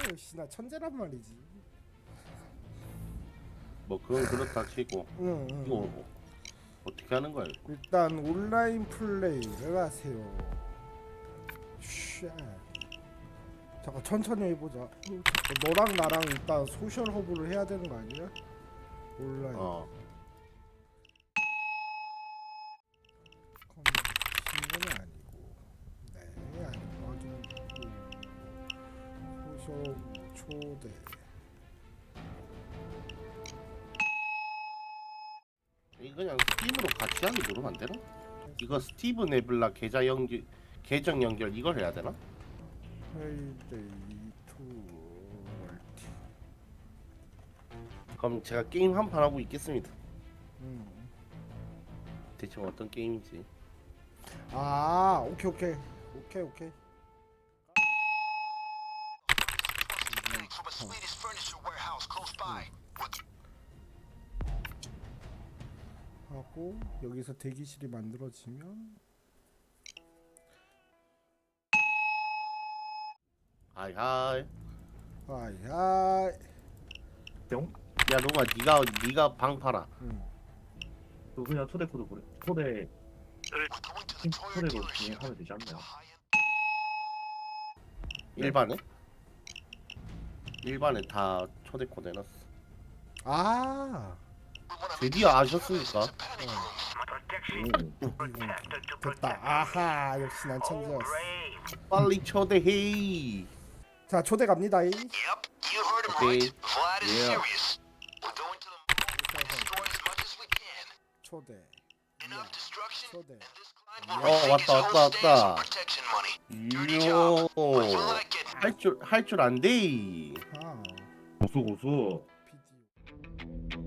역시 나 천재란 말이지. 뭐 그건 그렇다 치고 응, 이거 응. 어떻게 하는 거야? 이거? 일단 온라인 플레이를 하세요. 쉣. 잠깐 천천히 해보자. 너랑 나랑 일단 소셜 허브를 해야 되는 거 아니야? 온라인. 어. 신문이 아니고. 네, 아니고 확인했고. 소셜 허브 초대. 이거 그냥 스팀으로 같이 하기 누르면 안 되나? 이거 스티브 네블라 계정 연결 이걸 해야 되나? 페이데이 투 월티. 그럼 제가 게임 한 판 하고 있겠습니다. 음. 대체 어떤 게임이지? 아, 오케이 오케이 오케이 오케이. From a Swedish furniture warehouse close by. 하고 여기서 대기실이 만들어지면 하이하이. 하이하이. 뿅? 야 너가 네가 방 팔아. 그거 그냥 초대 코드 보내. 초대 We're going to the Toyota 초대로 dealership. 진행하면 되지 않나요? 일반에? 일반에 다 초대 코드 해놨어. 아, 드디어 아셨습니까? 됐다. 아하, 역시 난 천재였어. 빨리 초대해. 자, 초대 갑니다. Yep, you heard him Okay. right. Vlad is Yeah. serious. We're going to the mall to destroy as much as we can. 초대. Enough destruction, 초대. and this client will Oh, receive his whole 왔다, stance in 왔다. protection money. Dirty job, but you like it. 할줄 안 돼. 아, 고수. 비디오.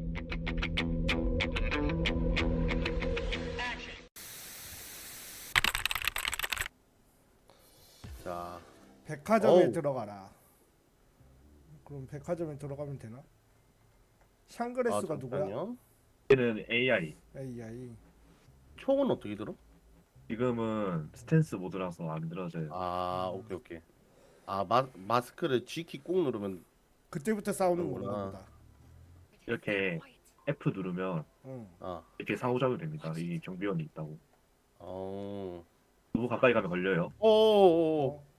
자, 백화점에 어우. 들어가라. 그럼 백화점에 들어가면 되나? 샹그레스가 누구야? 잠깐요. 얘는 AI. AI. 총은 어떻게 들어? 지금은 스탠스 모드라서 안 들어져요. 아, 오케이. 아, 마스크를 G키 꾹 누르면 그때부터 싸우는 그러구나. 건가 보다. 이렇게 F 누르면 응. 아, 이렇게 상호작용이 됩니다. 이 경비원이 있다고. 어, 너무 가까이 가면 걸려요. 오, 어?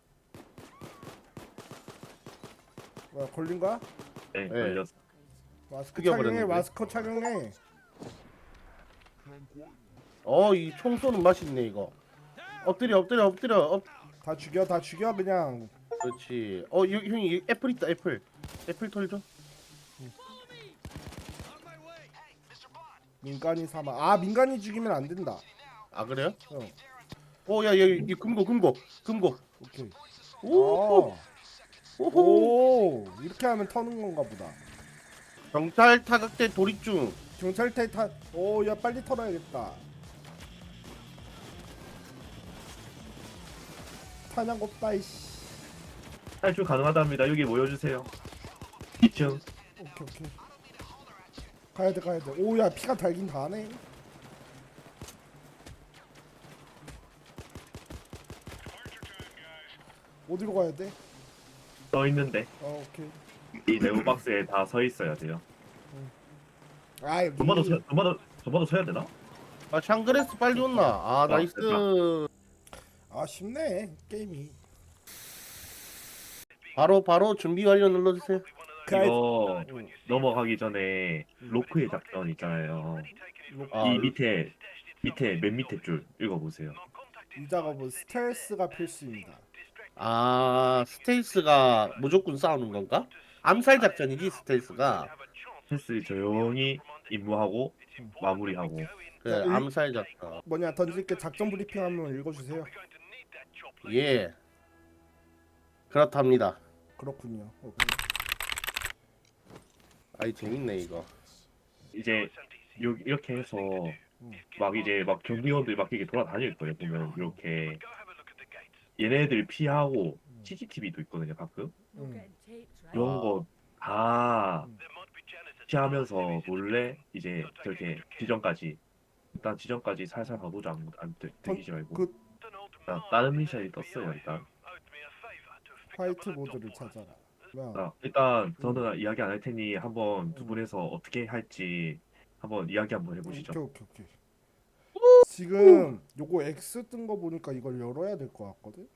뭐야, 걸린 거야? 네, 네. 걸렸어. 마스크 죽여버렸는데. 착용해. 마스크 착용해. 이 총 쏘는 맛있네 이거. 엎드려. 다 죽여 그냥. 그렇지. 형이 애플 있다 애플. 애플 털죠. 민간인 사망. 아, 민간인 죽이면 안 된다. 아 그래요? 어, 야, 이 금고. 오케이. 오, 어. 오호. 오, 이렇게 하면 터는 건가 보다. 경찰 타격대 돌입 중. 경찰대 타. 오, 야 빨리 털어야겠다. 탄약 없다 이씨. 탈출 가능하답니다. 여기 모여주세요. 2층. 오케이. 가야 돼. 오, 야 피가 달긴 다네. 어디로 가야 돼? 써 있는데 오케이. 이 네모 박스에 다 서 있어야 돼요. 아, 여기. 전마도 서야 되나? 아 샹그레스 빨리 온나. 아 나이스. 아, 쉽네 게임이. 바로 준비 완료 눌러주세요. 이거 넘어가기 전에 로크의 작전 있잖아요. 아, 이 밑에 맨 밑에 줄 읽어보세요. 이 작업은 스텔스가 필수입니다. 아 스텔스가 무조건 싸우는 건가? 암살 작전이지 스텔스가. 패스 조용히 임무하고 마무리하고. 그래 자, 암살 작전. 뭐냐, 던질게. 작전 브리핑 한번 읽어주세요. 예. 그렇답니다. 그렇군요. 오케이. 아이 재밌네 이거. 이제 이렇게 해서 막 경비원들이 막 이렇게 돌아다닐 거예요. 보면 이렇게 얘네들 피하고 CCTV도 있거든요. 가끔 이런 거 다 피하면서 몰래 이제 저렇게 일단 지점까지 살살 가보자. 안 되지 말고. 그 다른 미션이 떴어요. 일단 화이트보드를 찾아라. 뭐야? 일단 저는 이야기 안 할 테니 한번 두 분에서 어떻게 할지 한번 이야기 한번 해보시죠. 오케이. 지금 요거 X 뜬 거 보니까 이걸 열어야 될 것 같거든.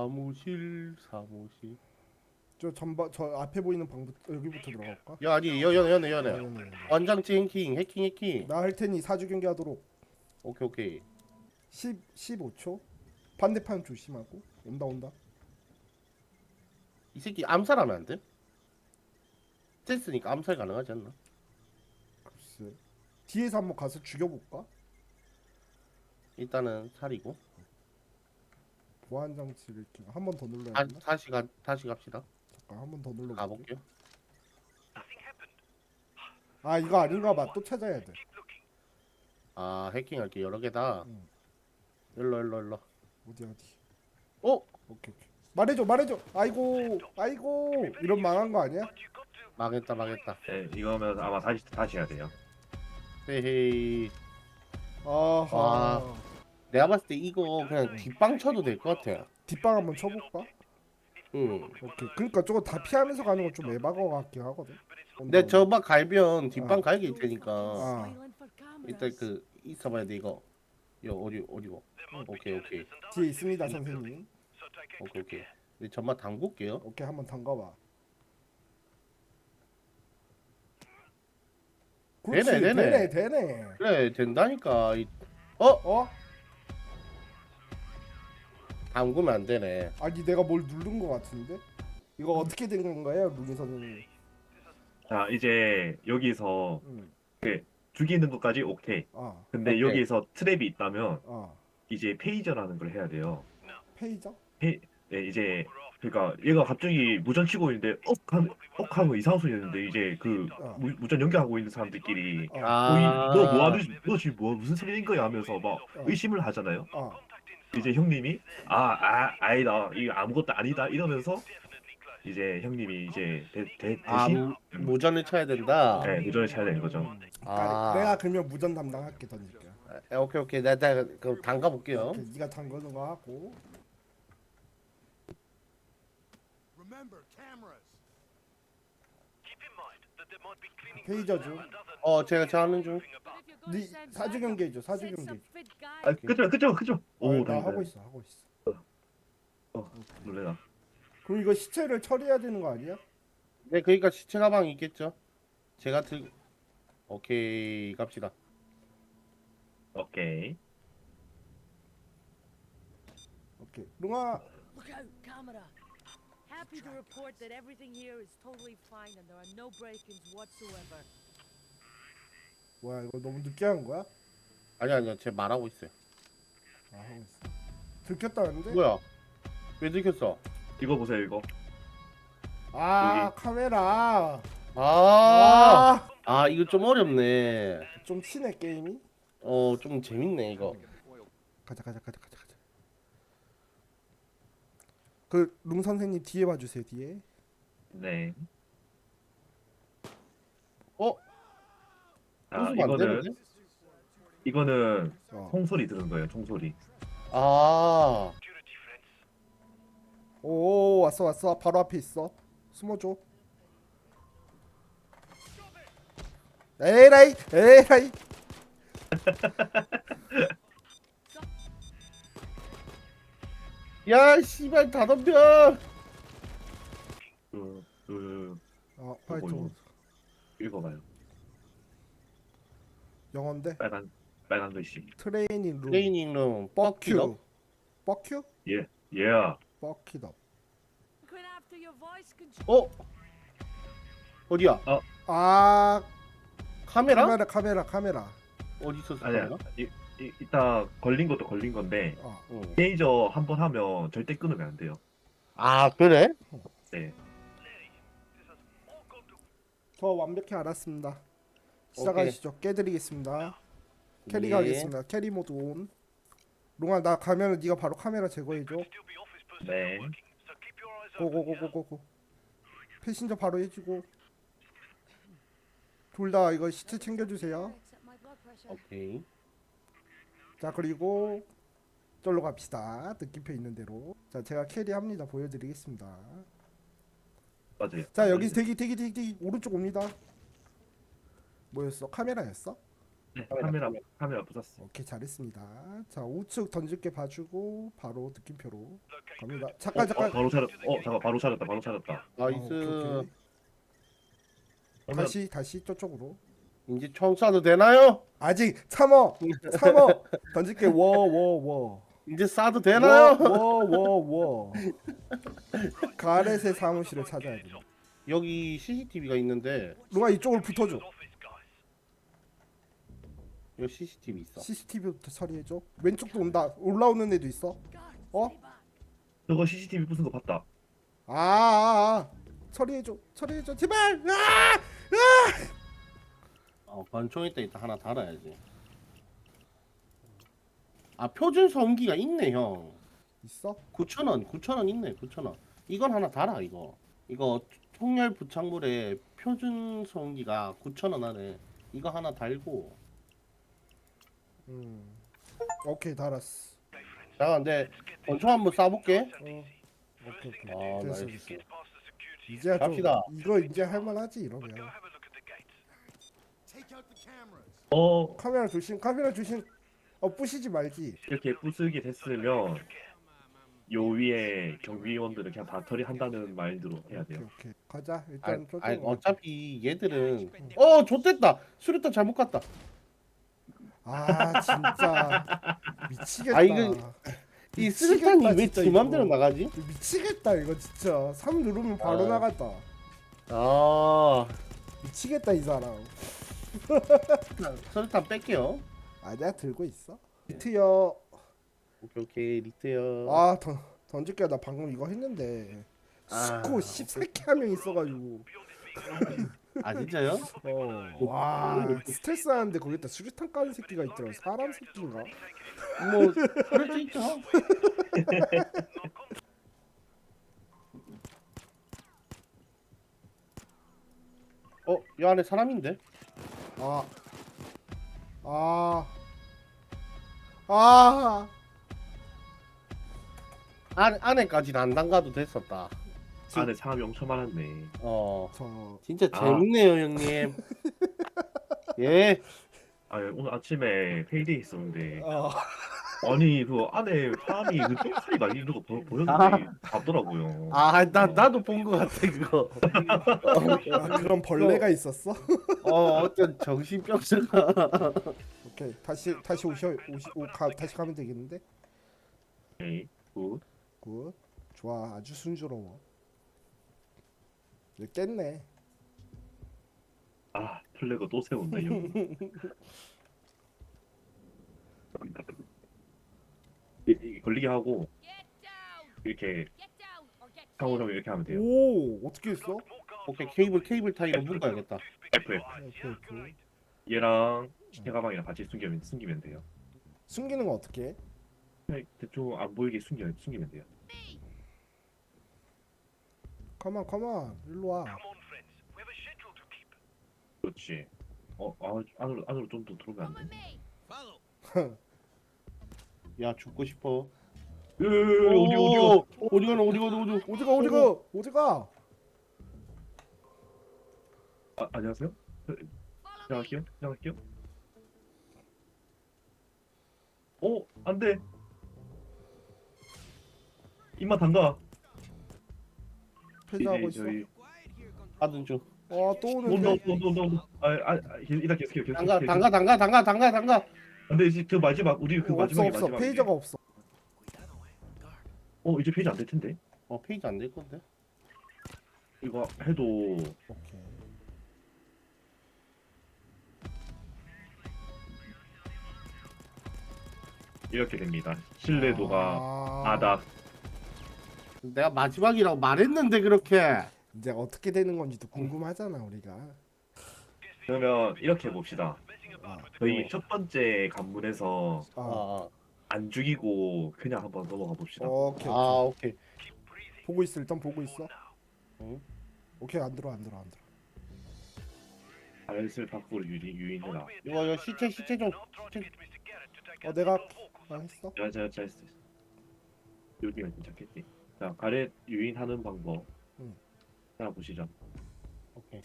사무실. 저 앞에 보이는 방부터 여기부터 들어갈까? 야 아니 연애. 연애. 완장치 해킹. 나 할 테니 사주 경기하도록. 오케이. 15초. 반대편 조심하고. 온다. 이 새끼 암살하면 안 돼? 스탠스니까 암살 가능하지 않나? 글쎄. 뒤에서 한번 가서 죽여볼까? 일단은 살이고. 보안 장치를 한 번 더 눌러야 아, 되나? 다시 갑시다. 잠깐 한 번 더 눌러. 가볼게요. 아 이거 아닌가 봐. 또 찾아야 돼. 아 해킹할 게 여러 개다. 응. 일로. 어디. 어? 오케이. 말해줘. 아이고. 이런 망한 거 아니야? 망했다. 네, 이거면 아마 다시 해야 돼요. 헤헤이. 아하. 내가 봤을 때 이거 그냥 뒷방 쳐도 될 것 같아. 뒷방 한번 쳐볼까? 응. 오케이. 그러니까 저거 다 피하면서 가는 건 좀 에바가 같긴 하거든. 내 저막 갈면 뒷방 아. 갈게 있 테니까. 아. 일단 그 있어봐야 돼 이거. 어디고? 오케이. 뒤에 있습니다 선생님. 오케이. 네, 전마 담글게요. 오케이 한번 담가봐. 그렇지, 되네. 되네. 그래 된다니까. 어? 담그면 안 되네. 아니 내가 뭘 누른 거 같은데? 이거 어떻게 된 건가요, 루기 선생님? 자, 이제 여기서 응. 죽이는 것까지 오케이. 근데 오케이. 여기에서 트랩이 있다면 아, 이제 페이저라는 걸 해야 돼요. 페이저? 네, 이제 그러니까 얘가 갑자기 무전 치고 있는데 하고 이상한 소리 했는데 이제 그 무전 연결하고 있는 사람들끼리 너 뭐하는 너 지금 무슨 소리인 거야 하면서 막 의심을 하잖아요. 이제 형님이 아니다 이거 아무것도 아니다 이러면서 이제 형님이 이제 대신 무전을 쳐야 된다. 네, 무전을 쳐야 되는 거죠. 내가 그러면 무전 담당할게 던질게. 오케이. 내가 그 담가 볼게요. 오케이, 네가 담그는 거 하고. Remember, cameras. 페이저죠. 제가 하는 중. 네 사주 경계죠. 사주 경계. 그죠. 오, 나 다행이다. 하고 있어. 놀래라. 그럼 이거 시체를 처리해야 되는 거 아니야? 네, 그러니까 시체 가방이 있겠죠. 제가 오케이 갑시다. 오케이. 룽아. Look out, camera. Happy to report that everything here is totally fine and there are no break-ins whatsoever. 뭐야 이거 너무 늦게 한 거야? 아니요, 제 말하고 있어요. 하고 있어. 들켰다는데? 뭐야? 왜 들켰어? 이거 보세요 이거. 카메라. 이거 좀 어렵네. 좀 치네 게임이. 좀 재밌네 이거. 가자. 그 룽 선생님 뒤에 봐주세요. 뒤에. 네. 웃으면 안 되는데? 이거는 총소리 들은 거예요. 총소리. 오 왔어. 바로 앞에 있어. 숨어줘. 에라이. 야 씨발 다 덤벼. 화이트. 읽어봐요. 영어인데. 빨간 글씨. 트레이닝 룸. 트레이닝룸 뻑큐. 예. 뻑키더. Going after your voice control. 어디야? 카메라? 카메라. 어디 있었어? 아니야. 카메라? 이따 걸린 것도 걸린 건데 응. 페이저 한 번 하면 절대 끊으면 안 돼요. 그래? 네. 저 완벽히 알았습니다. 시작하시죠. 깨드리겠습니다. 캐리 예. 가겠습니다. 캐리 모드 온. 롱아 나 가면은 네가 바로 카메라 제거해줘. 네. 고고고고고고. 패신저 바로 해주고. 둘 다 이거 시체 챙겨주세요. Accept my blood pressure. 오케이. 자 그리고 절로 갑시다. 느낌표 있는 대로. 자 제가 캐리합니다. 보여드리겠습니다. 맞아요. 자 여기 대기 오른쪽 옵니다. 뭐였어? 카메라였어? 네, 카메라 부쉈어. 오케이 잘했습니다. 자 우측 던질게 봐주고 바로 느낌표로 갑니다. 잠깐 바로 찾았. 잠깐 바로 찾았다. 나이스. 오케이. 그러면 다시 저쪽으로. 이제 총 쏴도 되나요? 아직 참어 던질게 워 이제 쏴도 되나요? 워 가렛의 사무실을 찾아야 돼. 여기 CCTV가 있는데 누가 이쪽으로 붙어줘. 여기 CCTV 있어. CCTV부터 처리해줘. 왼쪽도 온다. 올라오는 애도 있어. 어? 저거 CCTV 부순 거 봤다. 처리해줘 제발. 권총 있다 하나 달아야지. 아 표준 소음기가 있네 형. 있어? 9,000원 있네 9,000원. 이건 하나 달아 이거 통렬 부착물에 표준 소음기가 9,000원 하네. 이거 하나 달고. 오케이 달았어. 자 근데 권총 한번 쏴볼게. 오케이 나이스. 됐어. 이제 좀 갑시다. 이거 이제 할만하지 이러면. Take out the cameras. 카메라 조심. 부시지 말지. 이렇게 부수게 됐으면 요 위에 경비원들은 그냥 다 처리한다는 마인드로 해야 돼요. 오케이. 가자. 일단 저쪽. 아니 어차피 얘들은 좋댔다. 수류탄 잘못 갔다. 진짜 미치겠다. 이거 이 수류탄이 왜 진짜 지 맘대로 이거. 나가지? 미치겠다 이거 진짜. 3 누르면 바로 나갔다. 미치겠다 이 사람. 수류탄 뺄게요. 아니야 들고 있어. 리트요. 오케이 리트요. 던질게. 나 방금 이거 했는데 아, 스코 14개 한 명 있어가지고. 진짜요? 와 스트레스 하는데 거기다 수류탄 까는 새끼가 있더라. 사람 새끼인가? 뭐 그럴 수 있죠. 이 안에 사람인데? 안에까지는 안 담가도 됐었다. 안에 사람이 엄청 많았네. 저 진짜 재밌네요 형님. 예. 오늘 아침에 페이데이 있었는데 어. 아니 그 안에 사람이 그 똥파리 날리는 거 보였는데 봤더라고요. 나도 본 것 같아 그거. 그런 벌레가 있었어? 어떤 정신병자가. 오케이 다시 다시 가면 되겠는데? 오케이 굿. 굿 좋아 아주 순조로워. 이제 깼네. 플래그 또 세운다 형. 걸리게 하고 이렇게 상호작용 이렇게 하면 돼요. 오 어떻게 했어? 오케이 케이블 타이로 묶어야겠다. F 오케이. 얘랑 시계가방이랑 같이 숨기면 돼요. 숨기는 거 어떻게 해? 그냥 대충 안 보이게 숨기면 돼요. 컴온 일로 와. 그렇지. 안으로 좀 더 들어오면 안 돼. Follow. 야 죽고 싶어. 어디가? 어디가? 안녕하세요. 지나갈게요. 안 돼. 입만 담가. 폐자하고 이제 있어. 저희 하든 중. 또 오는데. 온다. 일단 계속. 담가. 근데 이제 그 마지막 우리 그 마지막에 없어. 마지막에. 페이저가 없어. 이제 페이지 안 될 텐데. 페이지 안 될 건데. 이거 해도 오케이. 이렇게 됩니다. 신뢰도가 바닥. 내가 마지막이라고 말했는데 그렇게. 이제 어떻게 되는 건지도 궁금하잖아 우리가. 그러면 이렇게 해봅시다. 아, 저희 첫 번째 관문에서 아, 안 죽이고 그냥 한번 넘어가 봅시다. 오케이. 오케이. 보고 있어. 일단 보고 있어. 응. 오케이 안 들어. 발을 밖으로 유인해라. 이거 시체 좀. 내가 했어. 제가 했어. 여기가 괜찮겠지. 자, 가렛 유인하는 방법. 하나 보시죠. 오케이.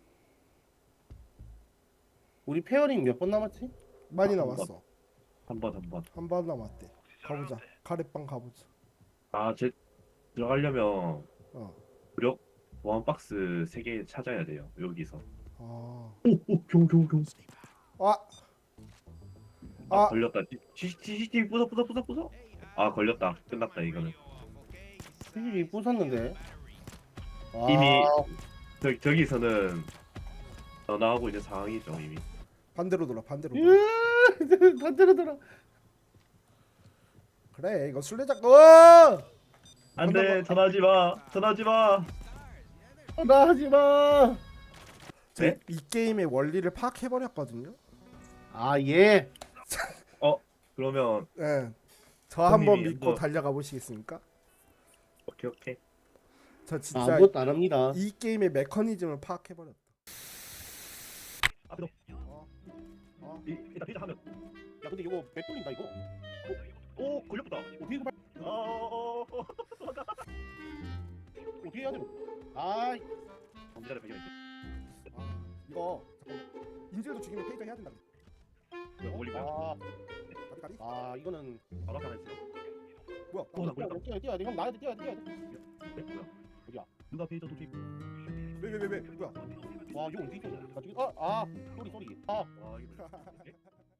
우리 페어링 몇 번 남았지? 많이 한 남았어. 한 번. 한 번 남았대. 가보자. 가래빵 가보자. 제 들어가려면 어. 무력 보안 박스 3개 찾아야 돼요. 여기서. 아. 오, 경. 아. 걸렸다. CCTV 부숴. 아, 걸렸다. 끝났다 이거는. CCTV 부쉈는데. 아, 이미 저기서는 나가고 있는 상황이죠 이미. 반대로 돌아. 반대로 돌아. 반대로 돌아. 그래. 이거 술래잡기. 어! 안돼, 전화하지 마. 나 하지 마. 이 게임의 원리를 파악해 버렸거든요. 아 예. 그러면 예. 저 한번 형님이 믿고 한번- 달려가 보시겠습니까? 오케이. 저 진짜 아무것도 안 합니다. 이 게임의 메커니즘을 파악해 버렸다. 앞으로 일단 피자 하면. 야 근데 이거 몇 돌린다 이거. 오, 걸렸다. 어떻게 발... 어. 어떻게 해야 돼? 아이. 범죄자를 발견했지. 이거 잠깐만. 인질도 죽이면 페이저 해야 된다. 올리고요. 까비. 아 이거는 바로 앞에 했어요. 뭐야? 나 몰라. 뛰어야 돼. 형 나야 돼. 뛰어야 돼. 네, 뭐야? 어디야? 누가 페이저 도둑? 왜? 뭐야? 와 이거 어떻게 뛰어? 가지고 소리. 아. 와, 이거 뭐야?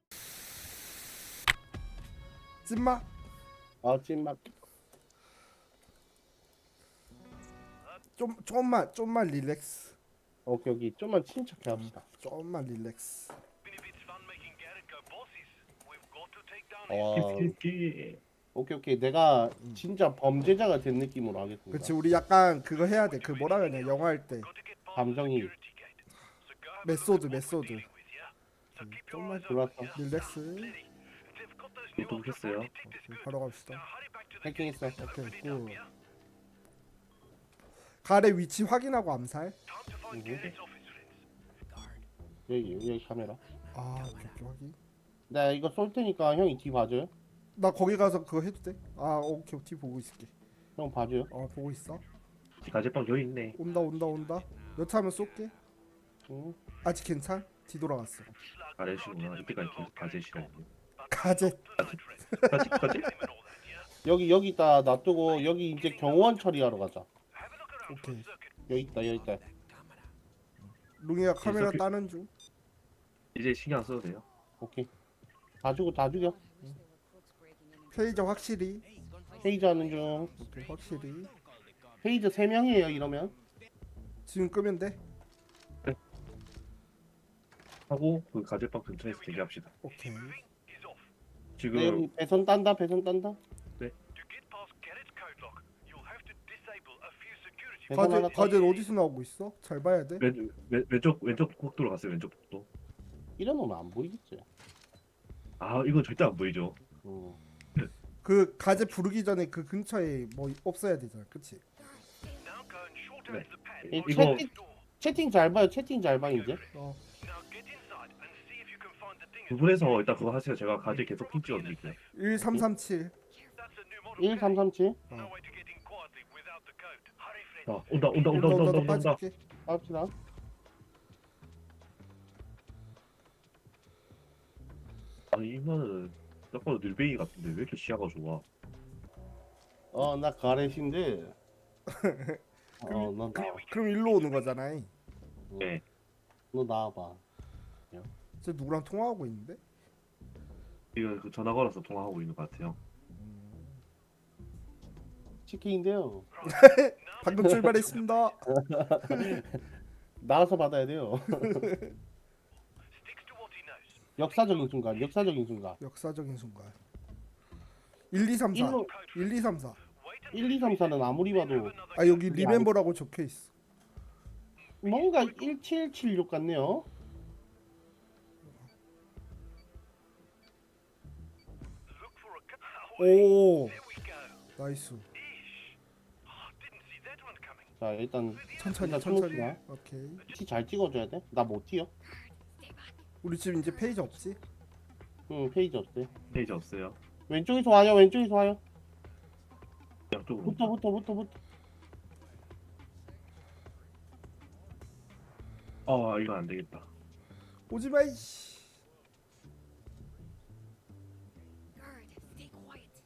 찐마? 아 찐막. 좀만 릴렉스. 오케이 여기 좀만 침착해 합시다. 좀만 릴렉스. 와. 키스키스키. 오케이 내가 진짜 범죄자가 된 느낌으로 하겠습니다. 그치 우리 약간 그거 해야 돼. 그 뭐라 해야 돼? 영화 할 때. 감정이 메소드. 좀만 들어왔어. 릴렉스. 도둑했어요. 바로 갑시다. 해킹했어. 오케이. 굿. 가래 위치 확인하고 암살. 여기 카메라. 아, 오케이 확인. 나 이거 쏠 테니까 형이 뒤 봐줘요. 나 거기 가서 그거 해도 돼? 아, 오케이. 뒤 보고 있을게. 형 봐줘요. 보고 있어. 가제빵 여기 있네. 온다. 여차하면 쏠게. 응. 아직 괜찮? 뒤돌아갔어. 가제시구나. 이때까지 계속 가제시라고. 가재. 가제? 여기 있다 놔두고 여기 이제 경호원 처리하러 가자. 오케이. 여기 있다. 룽이가 카메라 계속- 따는 중. 이제 신경 안 써도 돼요. 오케이. 다 죽여. 페이저 확실히. 페이저 하는 중. 오케이, 확실히. 페이저 3명이에요 이러면. 지금 끄면 돼. 하고 그 가제빵 근처에서 대기합시다. 오케이. 지금 네, 여기 배선 딴다. 배선 하나 가재 어디서 나오고 있어? 잘 봐야 돼. 왼쪽 복도로 갔어요. 왼쪽 복도. 이러면 안 보이겠지. 아, 이건 절대 안 보이죠. 그 가재 부르기 전에 그 근처에 뭐 없어야 되잖아. 그치? 이 이거- 채팅 잘 봐요. 채팅 잘 봐 이제. 어. 두 분에서 일단 그거 하세요. 제가 가제 계속 핀 찍어드릴게요. 1337. 1337. 온다. 빠질게. 합시다. 아니, 이거는 딱 봐도 늘베이 같은데 왜 이렇게 시야가 좋아? 나 가렛인데. 넌 나와. 그럼 일로 오는 거잖아. 네. 너 나와봐. 쟤 누구랑 통화하고 있는데? 지금 그 전화 걸어서 통화하고 있는 것 같아요. 치킨인데요. 방금 출발했습니다. 나와서 받아야 돼요. 역사적인 순간. 역사적인 순간. 1, 2, 3, 4. 일로- 1, 2, 3, 4. 1, 2, 3, 4는 아무리 봐도 아, 여기 리멤버라고 적혀 있어. 뭔가 1776 같네요. 오. 나이스. 자 일단 천천히. 일단 오케이. 티 잘 찍어줘야 돼. 나 못 튀어. 우리 지금 이제 페이지 없지? 응 페이지 없대. 페이지 없어요. 왼쪽에서 와요. 양쪽으로. 붙어. 이거 안 되겠다. 오지마 이씨. Guard, stay quiet.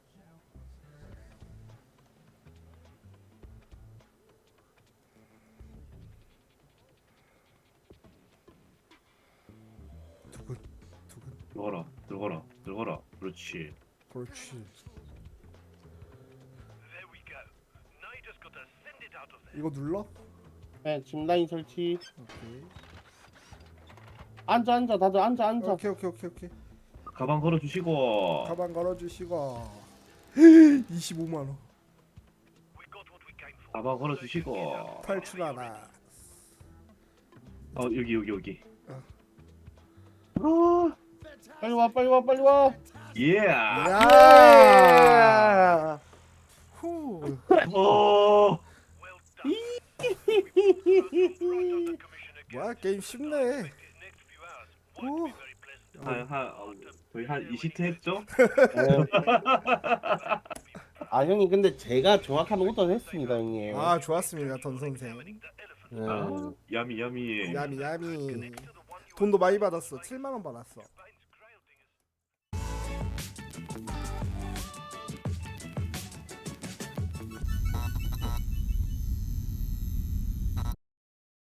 두근. 들어가라. 그렇지. 그렇지. 이거 눌러? 네, 짚라인 설치. 오케이. 앉아, 다들 앉아. 오케이. 가방 걸어주시고. 가방 걸어주시고. 25만 원. 가방 걸어주시고. 탈출하라. 여기. 빨리 와. 예. 야. 후. 뭐야 게임 쉽네. 오. 거의 한 20트 했죠? 아, 형님, 근데 제가 정확한 오더를 했습니다, 형님. 아 좋았습니다 던 선생. 네. 야미. 야미. 돈도 많이 받았어. 7만 원 받았어.